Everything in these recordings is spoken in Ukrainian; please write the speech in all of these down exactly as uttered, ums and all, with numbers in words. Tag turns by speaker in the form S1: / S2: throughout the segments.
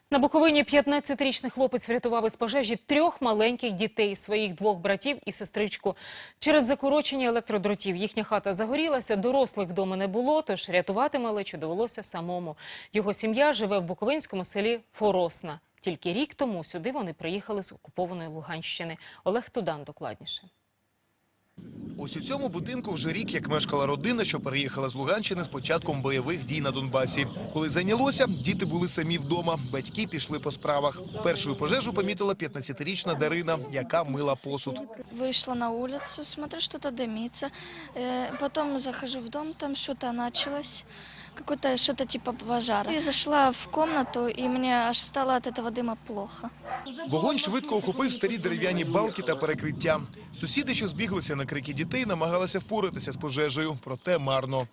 S1: На Буковині п'ятнадцятирічний хлопець врятував із пожежі трьох маленьких дітей – своїх двох братів і сестричку. Через закорочення електродротів їхня хата загорілася, дорослих вдома не було, тож рятувати малечу довелося самому. Його сім'я живе в буковинському селі Форосна. Тільки рік тому сюди вони приїхали з окупованої Луганщини. Олег Тудан докладніше.
S2: Ось у цьому будинку вже рік, як мешкала родина, що переїхала з Луганщини з початком бойових дій на Донбасі. Коли зайнялося, діти були самі вдома, батьки пішли по справах. Першою пожежу помітила п'ятнадцятирічна Дарина, яка мила посуд.
S3: Вышла на улицу, смотрю, что-то дымится. Э, Потом захожу в дом, там что-то началось, какое-то что-то типа пожара. И зашла в комнату, и мне аж стало от этого дыма плохо.
S2: Вогонь швидко охопив старі дерев'яні балки та перекриття. Сусіди, що збіглися на крики дітей, намагалися впоратися з пожежею, проте марно.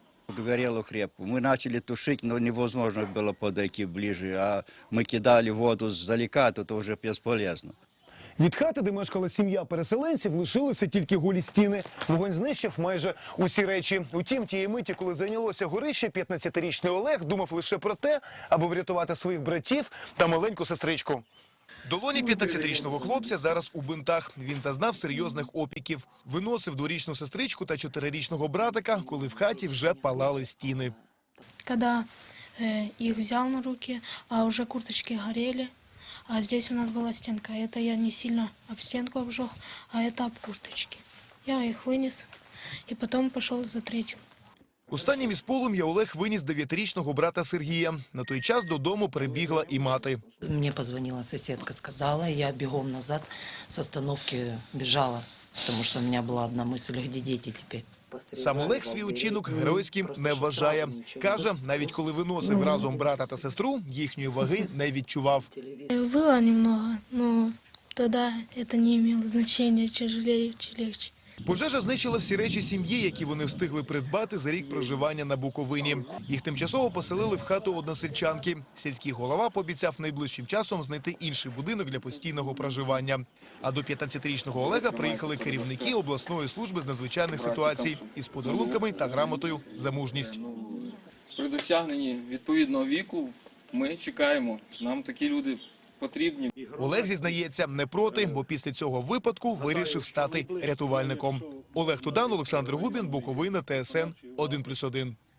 S4: Горело крепко. Мы начали тушить, но невозможно было подойти ближе. А мы кидали воду сдалека, то это уже бесполезно.
S5: Від хати, де мешкала сім'я переселенців, лишилися тільки голі стіни. Вогонь знищив майже усі речі. Утім, тієї миті, коли зайнялося горище, п'ятнадцятирічний Олег думав лише про те, аби врятувати своїх братів та маленьку сестричку.
S2: Долоні п'ятнадцятирічного хлопця зараз у бинтах. Він зазнав серйозних опіків. Виносив дворічну сестричку та чотирирічного братика, коли в хаті вже палали стіни.
S6: Когда э, их взял на руки, а уже курточки горели, а здесь у нас была стенка. Это я не сильно об стенку обжег, а это об курточки. Я их вынес и потом пошел за третьим.
S2: Останнім із полум'я Олег виніс дев'ятирічного брата Сергія. На той час додому прибігла і мати.
S7: Мне позвонила соседка, сказала, я бегом назад с остановки бежала, потому что у меня была одна мысль, где дети теперь.
S2: Сам Олег свій учинок геройським не вважає. Каже, навіть коли виносив разом брата та сестру, їхньої ваги не відчував.
S6: Было немного, но тогда это не имело значения, тяжелее, чи легче.
S2: Пожежа знищила всі речі сім'ї, які вони встигли придбати за рік проживання на Буковині. Їх тимчасово поселили в хату односельчанки. Сільський голова пообіцяв найближчим часом знайти інший будинок для постійного проживання. А до п'ятнадцятирічного Олега приїхали керівники обласної служби з надзвичайних ситуацій із подарунками та грамотою за мужність.
S8: При досягненні відповідного віку ми чекаємо. Нам такі люди потрібні.
S2: Олег зізнається, не проти, бо після цього випадку вирішив стати рятувальником. Олег Тудан, Олександр Губін, Буковина, Т С Н один плюс один.